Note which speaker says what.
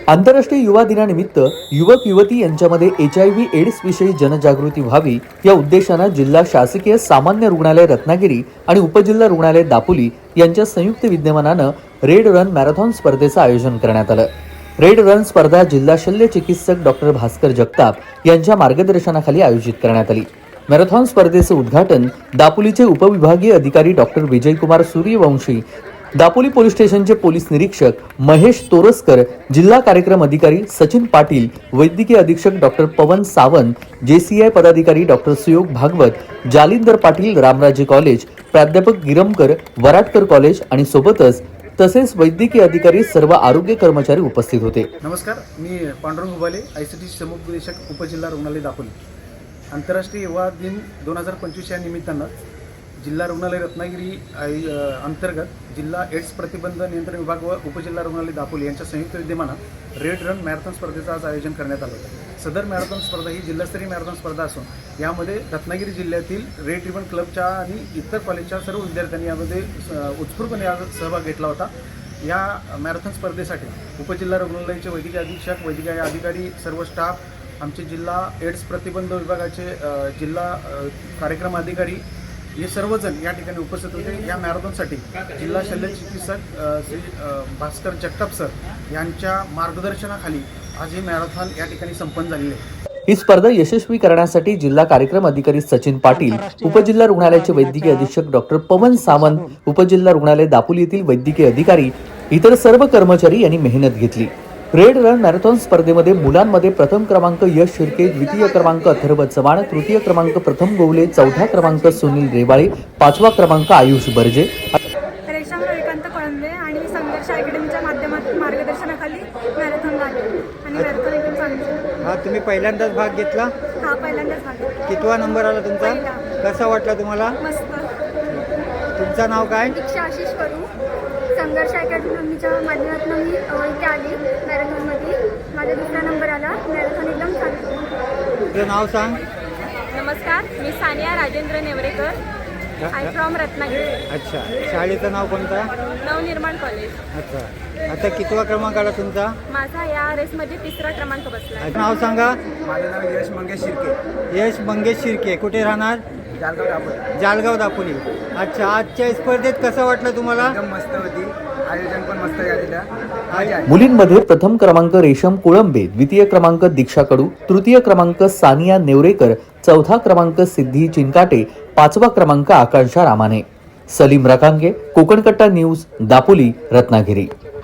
Speaker 1: आंतरराष्ट्रीय युवा दिनानिमित्त युवक युवती यांच्यामध्ये HIV एड्स विषयी जनजागृती व्हावी या उद्देशाने जिल्हा शासकीय सामान्य रुग्णालय रत्नागिरी आणि उपजिल्हा रुग्णालय दापोली यांच्या संयुक्त विद्यमानाने रेड रन मॅरेथॉन स्पर्धेचे आयोजन करण्यात आले। रेड रन स्पर्धा जिल्हा शल्य चिकित्सक डॉक्टर भास्कर जगताप यांच्या मार्गदर्शनाखाली आयोजित करण्यात आली। मॅरेथॉन स्पर्धेचे उद्घाटन दापोलीचे उपविभागीय अधिकारी डॉक्टर विजयकुमार सूर्यवंशी, दापोली पोलीस स्टेशनचे पोलीस निरीक्षक महेश तोरसकर, जिल्हा कार्यक्रम अधिकारी सचिन पाटील, वैद्यकीय अधीक्षक डॉक्टर पवन सावंत, JCI पदाधिकारी डॉक्टर सुयोग भागवत, जालिंदर पाटील रामराजे कॉलेज, प्राध्यापक गिरमकर वराटकर कॉलेज आणि सोबतच तसेच वैद्यकीय अधिकारी सर्व आरोग्य कर्मचारी उपस्थित होते।
Speaker 2: नमस्कार, मी पांडुरंग उबाले, ICT समुपदेशक उपजिल्हा रुग्णालय दापोली। आंतरराष्ट्रीय युवा दिन 2025 या निमित्तानं जिल्हा रुग्णालय रत्नागिरी अंतर्गत जिल्हा एड्स प्रतिबंध नियंत्रण विभाग व उपजिल्हा रुग्णालय दापोली यांच्या संयुक्त विद्यमानात रेड रन मॅरेथॉन स्पर्धेचं आज आयोजन करण्यात आलं होतं। सदर मॅरेथॉन स्पर्धा ही जिल्हास्तरीय मॅरेथॉन स्पर्धा असून यामध्ये रत्नागिरी जिल्ह्यातील रेड रिबन क्लबच्या आणि इतर कॉलेजच्या सर्व विद्यार्थ्यांनी यामध्ये उत्स्फूर्तपणे सहभाग घेतला होता। या मॅरेथॉन स्पर्धेसाठी उपजिल्हा रुग्णालयाचे वैद्यकीय अधीक्षक, वैद्यकीय अधिकारी, सर्व स्टाफ, आमचे जिल्हा एड्स प्रतिबंध विभागाचे जिल्हा कार्यक्रम अधिकारी हे सर्वजण या ठिकाणी उपस्थित होते। या मॅरेथॉनसाठी जिल्हा शल्य चिकित्सक श्री भास्कर जगताप सर यांच्या मार्गदर्शनाखाली आज ही मॅरेथॉन या ठिकाणी संपन्न झालेली आहे।
Speaker 1: ही स्पर्धा यशस्वी करण्यासाठी जिल्हा कार्यक्रम अधिकारी सचिन पाटील, उपजिल्हा रुग्णालयाचे वैद्यकीय अधीक्षक डॉक्टर पवन सावंत, उपजिल्हा रुग्णालय दापोली येथील वैद्यकीय अधिकारी, इतर सर्व कर्मचारी यांनी मेहनत घेतली। रेड रन मॅरेथॉन स्पर्धेमध्ये मुलांमध्ये प्रथम क्रमांक यश शिर्के, द्वितीय क्रमांक अथर्व चव्हाण, तृतीय क्रमांक प्रथम गोवले, चौथा क्रमांक सुनील रेवाळे, पाचवा क्रमांक आयुष बर्जे,
Speaker 3: रेशम रविकांत कळंबे आणि संघर्ष अकॅडमीच्या माध्यमातून मार्गदर्शनाखाली मॅरेथॉन झाले आणि मॅरेथॉन एकदम चांगली।
Speaker 4: हा, तुम्ही पहिल्यांदाच भाग घेतला?
Speaker 3: हा, पहिल्यांदाच भाग घेतला।
Speaker 4: कितवा नंबर आला तुमचा?
Speaker 3: पहिला।
Speaker 4: कसा वाटला तुम्हाला?
Speaker 3: मस्त।
Speaker 4: तुमचं नाव काय?
Speaker 3: दीक्षा आशिष करू, संघर्ष अकॅडमीच्या माध्यमातून मी इथे आली मॅरेथॉनमध्ये। माझा दुसरा नंबर आला। मॅरेथॉन एकदम चांगली।
Speaker 4: तुझं नाव सांग।
Speaker 3: नमस्कार, मी सानिया राजेंद्र नेवरेकर, आय फ्रॉम रत्नागिरी।
Speaker 4: अच्छा, शाळेचं नाव कोणतं?
Speaker 3: नवनिर्माण कॉलेज।
Speaker 4: अच्छा, आता कितवा क्रमांक आला तुमचा?
Speaker 3: माझा या रेसमध्ये तिसरा क्रमांक बसला।
Speaker 4: नाव सांगा।
Speaker 2: माझं नाव यश मंगेश शिर्के।
Speaker 4: यश मंगेश शिर्के, कुठे राहणार?
Speaker 2: जालगाव दापोली।
Speaker 4: जालगाव दापोली। अच्छा, आजच्या स्पर्धेत कसं वाटलं तुम्हाला?
Speaker 2: एकदम मस्त होती, आयोजन पण मस्त झालेलं।
Speaker 1: मुलींमध्ये प्रथम क्रमांक रेशम कोळंबे, द्वितीय क्रमांक दीक्षा कडू, तृतीय क्रमांक सानिया नेवरेकर, चौथा क्रमांक सिद्धी चिनकाटे, पाचवा क्रमांक आकांक्षा रामाने। सलीम रकांगे, कोकण कट्टा न्यूज, दापोली, रत्नागिरी।